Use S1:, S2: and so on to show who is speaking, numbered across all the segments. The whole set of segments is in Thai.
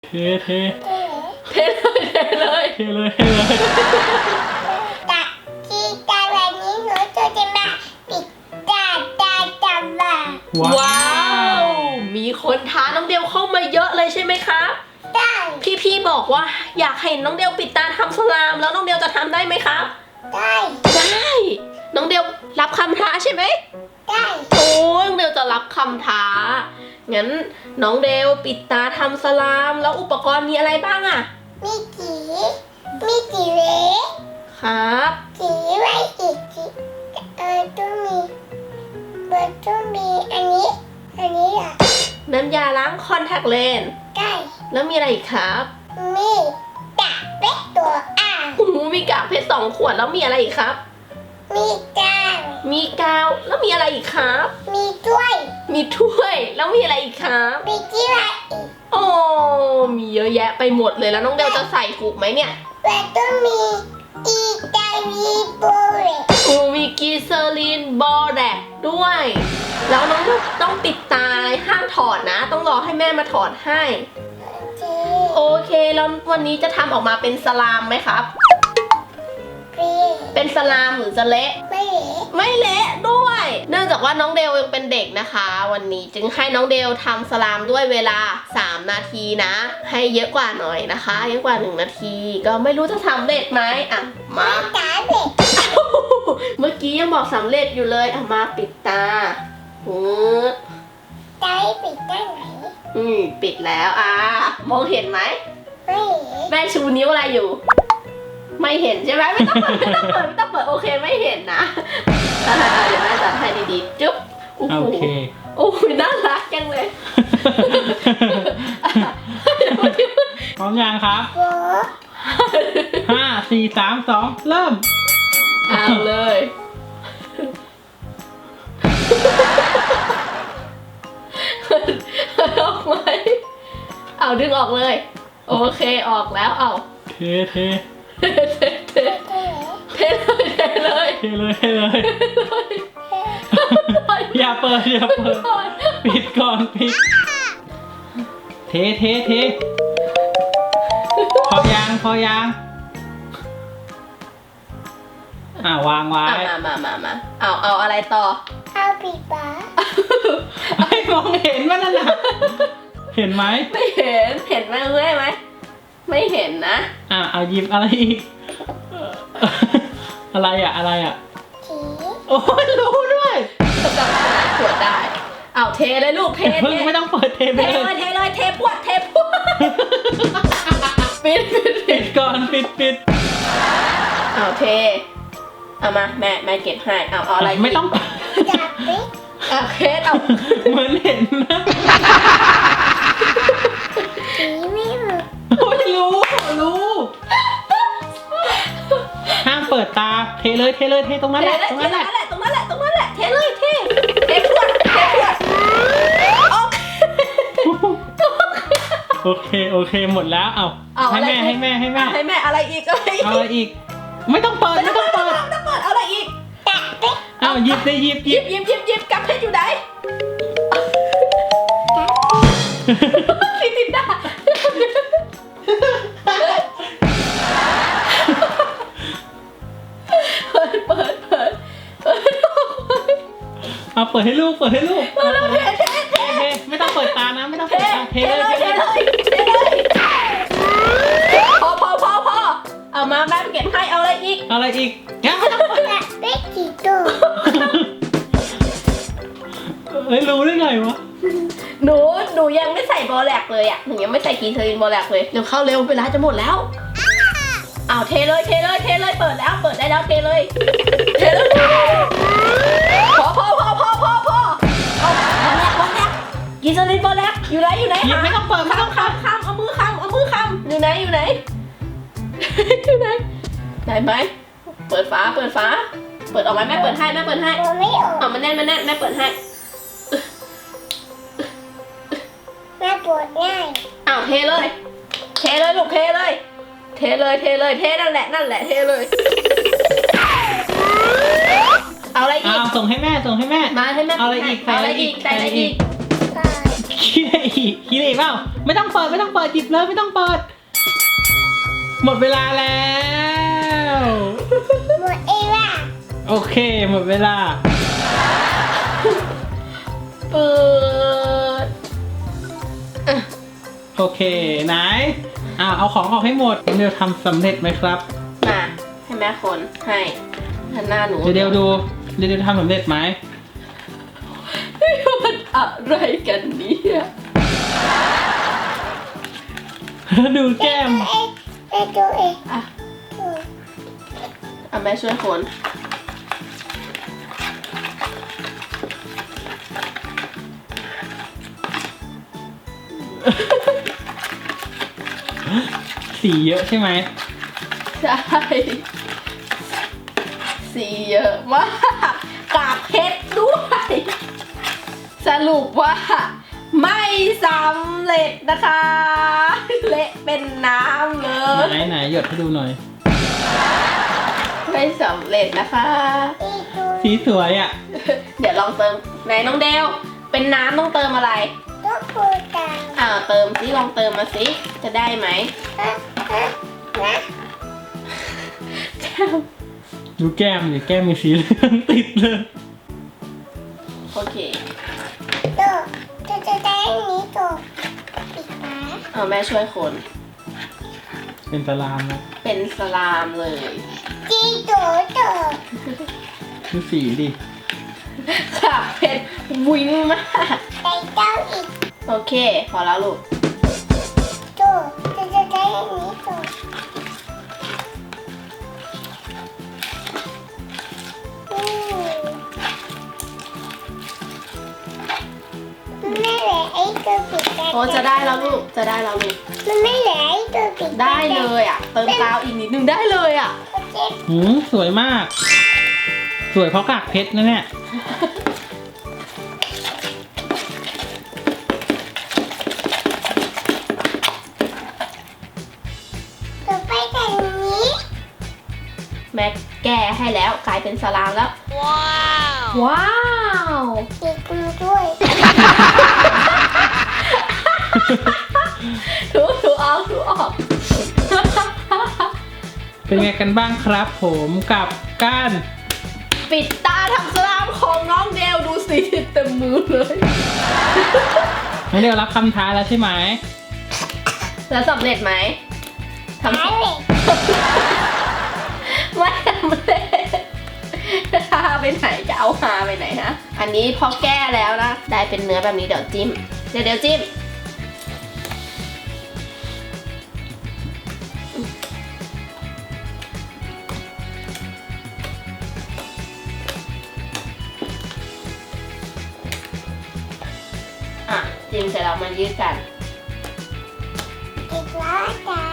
S1: เท
S2: เลย
S3: แต่ที่ตาวันนี้หนูจะมาปิดตาบ้า
S2: ว้าวมีคนท้าน้องเดวเข้ามาเยอะเลยใช่ไหมครับ
S3: ได้
S2: พี่บอกว่าอยากเห็นน้องเดวปิดตาทำสลามแล้วน้องเดวจะทำได้ไหมครับ
S3: ได้
S2: ได้น้องเดวรับคำท้าใช่ไหม
S3: ได้
S2: โอ้น้องเดวจะรับคำท้างั้นน้องเดวปิดตาทำสลามแล้วอุปกรณ์มีอะไรบ้างอะ
S3: มีกี่เล็ก
S2: ครับ
S3: กี่ไว้อีกกี่ต้องมีอันนี้อ่ะ
S2: น้ำยาล้างคอนแทคเลนส์
S3: ได้
S2: แล้วมีอะไรอีกครับ
S3: มีตาเป็ดตัวอ่าง
S2: โอ้โหมีกากเพชร2 ขวดแล้วมีอะไรอีกครับ
S3: มีจาน
S2: มีกาวแล้วมีอะไรอีกครับ
S3: มีถ้วย
S2: มีถ้วยแล้วมีอะไรอีกครับ
S3: มีที่ไว้อีก
S2: โอ้มีเยอะแยะไปหมดเลยแล้วน้องเดวจะใส่ถูกไหมเนี่ย
S3: แล้วต้องมีอีตาลีโบเร
S2: โอ้มีกีเซอรีนบอแดกด้วย แล้วน้องเดวต้องปิดตาห้ามถอดนะ ต้องรอให้แม่มาถอดให้ โอเคแล้ววันนี้จะทำออกมาเป็นสลามไหมครับ เป็นสลามหรือจะเละ
S3: ไม่เหล
S2: ไม่เละด้วย เนื่องจากว่าน้องเดลยังเป็นเด็กนะคะ วันนี้จึงให้น้องเดลทำสลามด้วยเวลา3 นาทีนะ ให้เยอะกว่าหน่อยนะคะ เยอะกว่า1 นาที ก็ไม่รู้จะสำเร็จไหมอ่ะมา
S3: ตาเด็ก
S2: เมื่อกี้ยังบอกสำเร็จอยู่เลยอ่ะมาปิดตาด
S3: ตาปิดได้ไหน
S2: ปิดแล้วมองเห็นไหม
S3: ไม่เหล
S2: แม่ชูนิ้วอะไรอยู่ ไม่เห็นใช่ไหมไม่ต้องเปิดโอเคไม่เห็นนะเดี๋ยวแม่จัดให้ดีๆจุ๊บโอ้โห
S1: โอเค
S2: โอ้ยน่ารักจังเลย
S1: พร้อมยังครับ
S3: โบ
S1: 5 4 3 2 เริ่ม
S2: เอาเลยออกไหมเอาดึงออกเลย โอเคออกแล้วเอา
S1: เท
S2: เทเลย
S1: อย่าเปิดปิดก่อนปิดเทพอยังวางไว้
S2: มาเอาอะไรต่อ
S3: เอาปิดปาก
S1: ให้มองเห็นว่านั่นน่ะเห็นไหม
S2: ไม่เห็นไหมไหมไม่เห็นนะ
S1: เอาหยิบอะไรอีกอะไรอ่ะ
S3: สี
S1: โอ้ยรู้ด้วย
S2: กำลังขวดได้เอาเทเลยลูกเท
S1: เพิ่งไม่ต้องเปิดเท
S2: เท
S1: ไป
S2: เลยเทพวดปิด
S1: ก่อนปิด
S2: เอาเทเอามาแม่เก็บให้เอาอะไร
S1: ไม่ต้อง
S3: ตาเป็ด
S2: เอาเคสเอา
S1: เหมือนเห็นนะ
S3: สีไม่หมด
S1: โอ้ยรู้ห้ามเปิดตาเทเลยตรงนั้นแหละ
S2: ตรงนั้นแหละเทเลยเทพวด
S1: โอเคหมดแล้วเอาให้แม่ให้แม่
S2: อะไรอีก
S1: เอาอะไรอีกไม่ต้องเปิด
S2: เอาอะไรอีก
S3: ตาเป็ด
S1: เอาหยิบ
S2: กลับเพชรอยู่ไหนติดด่าเปิด
S1: เอาเปิดให้ลูก
S2: เท
S1: ไม่ต้องเปิดตานะไม่ต้องเปิดตาเทเลย
S2: พอเอามาแม่เก็บให้เอาอะไรอีก
S1: ยังไม่ต้องเปิด
S3: ตาเป็ดกี่ตัว
S1: รู้ได้ไงวะ
S2: หนูยังไม่ใส่บอแลกเลยอ่ะหนูยังไม่ใส่กีเทอรินบอแลกเลยเดี๋ยวเข้าเร็วเวลาจะหมดแล้วเอาเทเลยเปิดได้แล้วเทเลยพอเอาบอแลกกีเทอรินบอแลกอยู่ไหน
S1: หยิบไม่ต้องเปิด
S2: ข้ามเอามือข้ามอยู่ไหนได้ไหมเปิดฝาเปิดออกไหมแม่เปิดให้
S3: โบไม่ออก
S2: เอามันแน่นแม่เปิดให้
S3: แม่ปวดง่าย
S2: อ้าวเทเลยลูกเทเลยนั่นแหละเทเลยเอาอะไรอีก
S1: ส่งให้แม่
S2: มาให้แม่
S1: เอาอะไรอีก
S2: ใส่อะไรอีก
S3: ตาย
S1: ขี้ได้อีกกินอีกเปล่าไม่ต้องเปิดหยิบเลยไม่ต้องเปิด หมดเวลาแล้ว
S3: หมดเองล่ะ
S1: โอเคหมดเวลา
S2: เปิด
S1: โอเคไหนเอาของออกให้หมดเดี๋ยวทำสำเร็จไหมครับ
S2: มาให้แม่คนให้หันหน้าหนู
S1: เดี๋ยวดูเดี๋ยวทำสำเร็จไหม
S2: มันอะไรกันเนี่ย
S1: ดูแก้ม
S3: เอ๊ะตัวเอง
S2: อ่ะแม่ช่วยคน
S1: สีเยอะใช่ไหม
S2: ใช่สีเยอะมากกากเพชรด้วย สรุปว่า ไม่สำเร็จนะคะ เละเป็นน้ำเลย
S1: ไหนหยดให้ดูหน่อย
S2: ไม่สำเร็จนะคะ
S3: อีกตัว
S1: สีสวยอ่ะ
S2: เดี๋ยวลองเติมไหนน้องเดวเป็นน้ำต้องเติมอะไร
S3: ตัวปูตา
S2: เติมสิลองเติมมาสิจะได้ไหม
S3: ฮะนะ
S1: ดูแก้มดิแก้มมีสีเหลืองติดเลย
S2: โอเค
S3: ตัวจะได้นี้ตัวปิดฝา
S2: แม่ช่วยคน
S1: เป็นตารางนะ
S2: เป็นสลามเลย
S3: จีตัว
S1: ดูสีดิ
S2: ค่ะเพชรวิ่งมาก
S3: ใส่เต้าอีก
S2: โอเค พอแล้วลูก
S3: ตัวจะได้นี้ตัวมันไม่เหลือไอ้ตัวปิดตา
S2: โอ้จะได้แล้วลูกจะได้แล้วลูก
S3: มันไม่เหลือไอ้ตัวปิดตา
S2: ได้เลยเติมกาวอีกนิดนึงได้เลย
S3: โอเค
S1: สวยมาก สวยเพราะกากเพชรนะเนี่ย
S3: ต่อไปแบบนี้
S2: แม่แก้ให้แล้วกลายเป็นสลามแล้ว ว้าว
S3: ติดมือด้วย
S2: ถูออก
S1: เป็นไงกันบ้างครับผมกับการ
S2: ปิดตาทำสลามของน้องเดวดูสิเต็มมือเลย
S1: น้องเดียวรับคำท้าแล้วใช่ไหม
S2: แล้วสำเร็จไหมทำ
S3: หายเลย
S2: ไม่สำเร็จฮาไปไหนจะเอาฮาไปไหนฮะอันนี้พอแก้แล้วนะได้เป็นเนื้อแบบนี้เดี๋ยวจิ้มเดี๋ยวจิ้มจิ้มเสร็จแล้วมายืดกัน
S3: อีกแล้วจ้า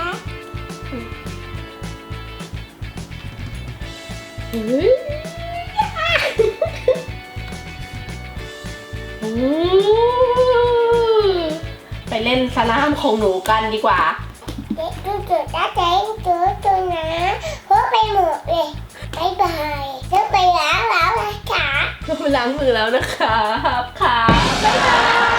S2: ไปเล่นสลามของหนูกันดีกว่า
S3: เด็กดูจุดจ้าใจตัวนะเพราะไปหมดเลยบายบายต้องไปล้างแล้วนะจ๊ะ
S2: ต้องไปล้างมือแล้วนะครับค่ะบ๊ายบาย